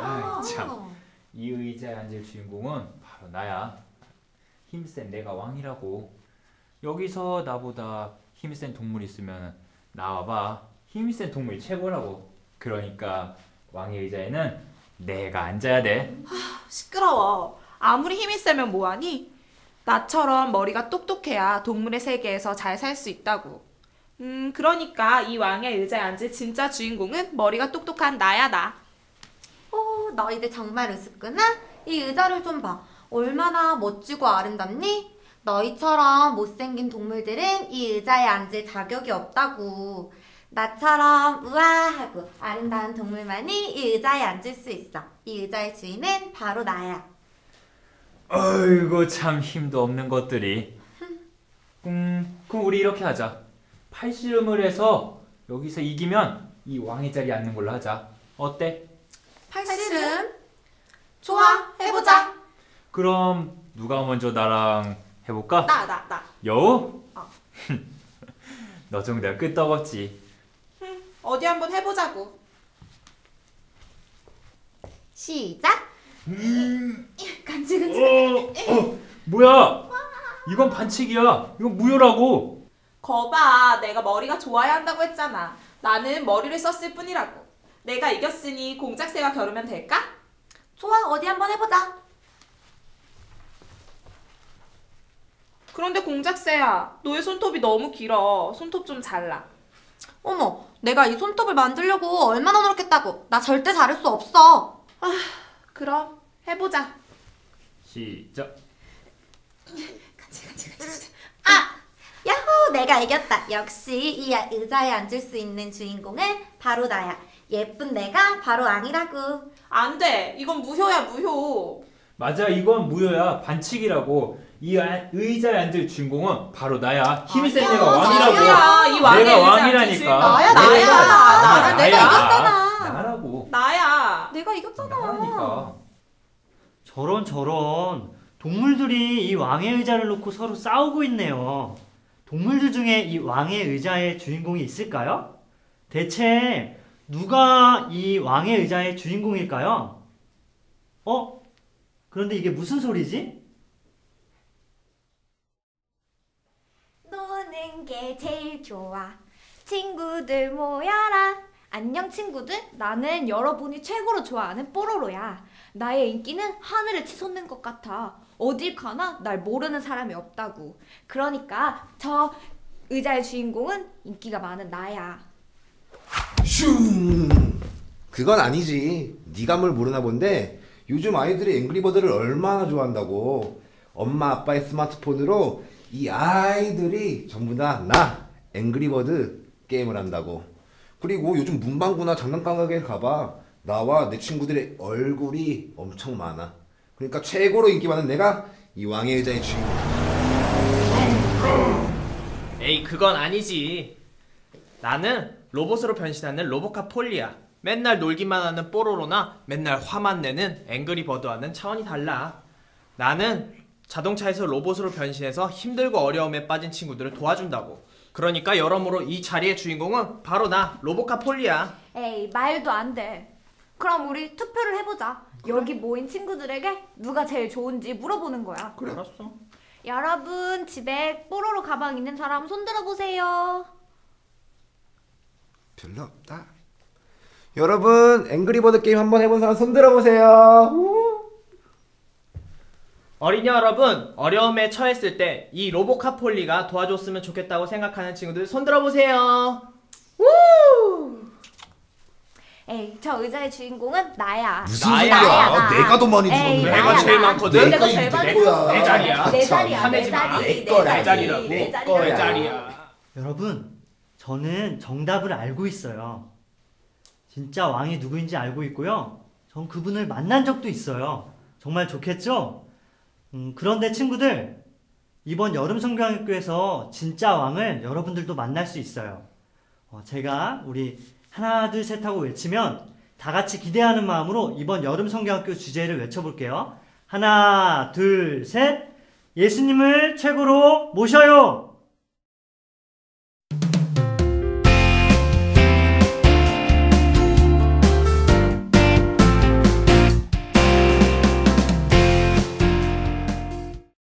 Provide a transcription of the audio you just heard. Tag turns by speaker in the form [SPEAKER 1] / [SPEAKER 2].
[SPEAKER 1] 참. 이 의자에 앉을 주인공은 바로 나야. 힘센 내가 왕이라고. 여기서 나보다 힘센 동물 있으면 나와봐. 힘센 동물이 최고라고. 그러니까 왕의 의자에는 내가 앉아야 돼.
[SPEAKER 2] 시끄러워. 아무리 힘이 세면 뭐하니? 나처럼 머리가 똑똑해야 동물의 세계에서 잘 살 수 있다고. 그러니까 이 왕의 의자에 앉을 진짜 주인공은 머리가 똑똑한 나야, 나.
[SPEAKER 3] 너희들 정말 우습구나? 이 의자를 좀 봐. 얼마나 멋지고 아름답니? 너희처럼 못생긴 동물들은 이 의자에 앉을 자격이 없다고. 나처럼 우아하고 아름다운 동물만이 이 의자에 앉을 수 있어. 이 의자의 주인은 바로 나야.
[SPEAKER 1] 어이구 참 힘도 없는 것들이. 그럼 우리 이렇게 하자. 팔씨름을 해서 여기서 이기면 이 왕의 자리에 앉는 걸로 하자. 어때?
[SPEAKER 2] 팔씨름? 좋아, 해보자.
[SPEAKER 1] 그럼 누가 먼저 나랑 해볼까?
[SPEAKER 2] 나.
[SPEAKER 1] 여우? 너 정도야 끄떡없지.
[SPEAKER 2] 어디 한번 해보자고.
[SPEAKER 3] 시작!
[SPEAKER 2] 간지간지.
[SPEAKER 1] 뭐야? 이건 반칙이야. 이건 무효라고.
[SPEAKER 2] 거봐, 내가 머리가 좋아야 한다고 했잖아. 나는 머리를 썼을 뿐이라고. 내가 이겼으니 공작새와 겨루면 될까?
[SPEAKER 3] 좋아, 어디 한번 해보자.
[SPEAKER 2] 그런데 공작새야, 너의 손톱이 너무 길어. 손톱 좀 잘라.
[SPEAKER 3] 어머, 내가 이 손톱을 만들려고 얼마나 노력했다고. 나 절대 자를 수 없어.
[SPEAKER 2] 그럼 해보자.
[SPEAKER 1] 시작.
[SPEAKER 2] 간지간지.
[SPEAKER 3] 야호, 내가 이겼다. 역시 이 의자에 앉을 수 있는 주인공은 바로 나야. 예쁜 내가 바로 왕이라고.
[SPEAKER 2] 안 돼. 이건 무효야, 무효.
[SPEAKER 1] 맞아, 이건 무효야. 반칙이라고. 이 의자에 앉을 주인공은 바로 나야. 힘이 센
[SPEAKER 3] 아니야,
[SPEAKER 1] 내가 왕이라고.
[SPEAKER 2] 무효야. 이 왕의
[SPEAKER 1] 내가
[SPEAKER 2] 의자에 앉을
[SPEAKER 1] 왕이라니까.
[SPEAKER 2] 주인공.
[SPEAKER 3] 나야. 내가 이겼잖아.
[SPEAKER 1] 나라고.
[SPEAKER 2] 나야.
[SPEAKER 3] 내가 이겼잖아.
[SPEAKER 1] 나라니까.
[SPEAKER 4] 저런 동물들이 이 왕의 의자를 놓고 서로 싸우고 있네요. 동물들 중에 이 왕의 의자의 주인공이 있을까요? 대체 누가 이 왕의 의자의 주인공일까요? 그런데 이게 무슨 소리지?
[SPEAKER 3] 노는 게 제일 좋아. 친구들 모여라. 안녕 친구들. 나는 여러분이 최고로 좋아하는 뽀로로야. 나의 인기는 하늘을 치솟는 것 같아. 어딜 가나 날 모르는 사람이 없다고. 그러니까 저 의자의 주인공은 인기가 많은 나야.
[SPEAKER 5] 슝! 그건 아니지. 네가 뭘 모르나 본데 요즘 아이들이 앵그리버드를 얼마나 좋아한다고. 엄마 아빠의 스마트폰으로 이 아이들이 전부 다 나 앵그리버드 게임을 한다고. 그리고 요즘 문방구나 장난감 가게에 가봐. 나와 내 친구들의 얼굴이 엄청 많아. 그러니까 최고로 인기 많은 내가 이 왕의 의자의 주인공.
[SPEAKER 6] 에이, 그건 아니지. 나는 로봇으로 변신하는 로보카 폴리야. 맨날 놀기만 하는 뽀로로나 맨날 화만 내는 앵그리버드와는 차원이 달라. 나는 자동차에서 로봇으로 변신해서 힘들고 어려움에 빠진 친구들을 도와준다고. 그러니까 여러모로 이 자리의 주인공은 바로 나, 로보카 폴리야.
[SPEAKER 3] 에이, 말도 안 돼. 그럼 우리 투표를 해보자. 여기 모인 친구들에게 누가 제일 좋은지 물어보는 거야.
[SPEAKER 5] 그래.
[SPEAKER 6] 알았어.
[SPEAKER 3] 여러분 집에 뽀로로 가방 있는 사람 손 들어보세요.
[SPEAKER 5] 별로 없다. 여러분 앵그리버드 게임 한번 해본 사람 손 들어보세요.
[SPEAKER 6] 어린이 여러분, 어려움에 처했을 때 이 로보카 폴리가 도와줬으면 좋겠다고 생각하는 친구들 손 들어보세요.
[SPEAKER 3] 에이, 저 의자의 주인공은 나야.
[SPEAKER 5] 무슨
[SPEAKER 6] 나야.
[SPEAKER 5] 소리야?
[SPEAKER 3] 나.
[SPEAKER 5] 내가 더 많이
[SPEAKER 3] 에이,
[SPEAKER 5] 들었네.
[SPEAKER 6] 내가 제일 많거든.
[SPEAKER 3] 내가 제일 많이
[SPEAKER 5] 거야.
[SPEAKER 6] 내 자리야.
[SPEAKER 3] 내 자리야.
[SPEAKER 6] 화내지
[SPEAKER 3] 내
[SPEAKER 6] 마.
[SPEAKER 3] 자리.
[SPEAKER 5] 내 거야.
[SPEAKER 6] 내 자리라고.
[SPEAKER 3] 내
[SPEAKER 5] 내
[SPEAKER 3] 자리라고.
[SPEAKER 5] 거야.
[SPEAKER 6] 내 자리야.
[SPEAKER 4] 여러분, 저는 정답을 알고 있어요. 진짜 왕이 누구인지 알고 있고요. 전 그분을 만난 적도 있어요. 정말 좋겠죠? 그런데 친구들, 이번 여름 성경학교에서 진짜 왕을 여러분들도 만날 수 있어요. 제가 우리 하나 둘 셋 하고 외치면 다 같이 기대하는 마음으로 이번 여름 성경학교 주제를 외쳐볼게요. 하나 둘 셋, 예수님을 최고로 모셔요.